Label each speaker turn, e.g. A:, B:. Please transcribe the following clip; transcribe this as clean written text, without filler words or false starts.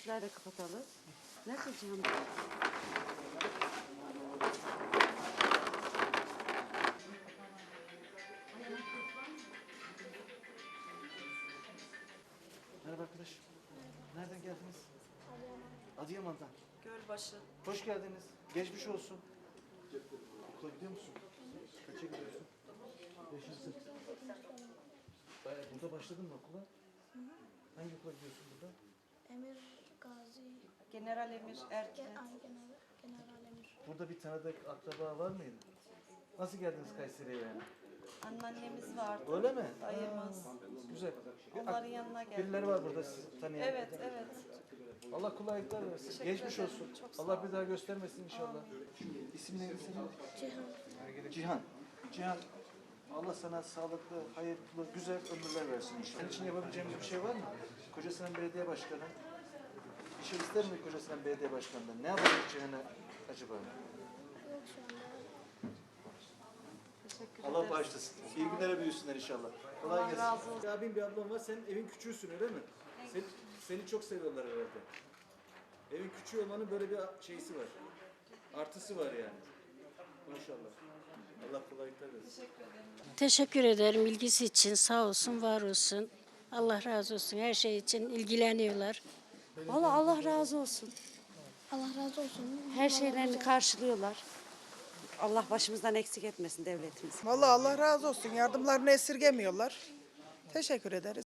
A: Sizler de kapatalım. Nerede Cihan?
B: Merhaba arkadaş. Nereden geldiniz? Adıyaman'dan.
A: Gölbaşı.
B: Hoş geldiniz. Geçmiş olsun. Okula gidiyor musun? Kaça gidiyorsun? Beşinci. Burada başladın mı okula? Hangi okula gidiyorsun burada?
C: Emir Gazi,
A: General Emir Erkin.
C: General Emir.
B: Burada bir tanıdık akraba var mıydı? Nasıl geldiniz Kayseri'ye yani?
A: Anneannemiz vardı.
B: Öyle mi?
A: Dayımız.
B: Güzel.
A: Onların yanına geldik.
B: Birileri var burada sizi tanıyan.
A: Evet, evet.
B: Allah kolaylıklar versin.
A: Teşekkür
B: Geçmiş
A: ederim.
B: olsun.
A: Çok sağ
B: Allah
A: olun.
B: bir daha göstermesin inşallah. İsim neydi senin?
C: Cihan.
B: Cihan. Cihan. Allah sana sağlıklı, hayırlı, güzel ömürler versin inşallah. Senin için yapabileceğimiz bir şey var mı? Kocasinan Belediye Başkanı. Bir şey ister mi Kocasinan Belediye Başkanı'ndan? Ne yapacak Cihan'a acaba?
C: Yok şu anda.
A: Teşekkür
B: Allah
A: ederiz.
B: bağışlasın. İyi günlere büyüsünler inşallah. Kolay
A: Allah
B: gelsin.
A: razı olsun.
B: Abim bir ablam var. Senin evin küçüğüsün öyle mi? Seni çok seviyorlar herhalde. Evin küçüğü olmanın böyle bir şeysi var. Artısı var yani. Maşallah. Allah kolaylıklar versin.
D: Teşekkür ederim ilgisi için. Sağ olsun, var olsun. Allah razı olsun. Her şey için ilgileniyorlar. Vallahi Allah razı olsun.
C: Allah razı olsun.
E: Her şeylerini karşılıyorlar. Allah başımızdan eksik etmesin devletimiz.
F: Vallahi Allah razı olsun. Yardımlarını esirgemiyorlar. Teşekkür ederiz.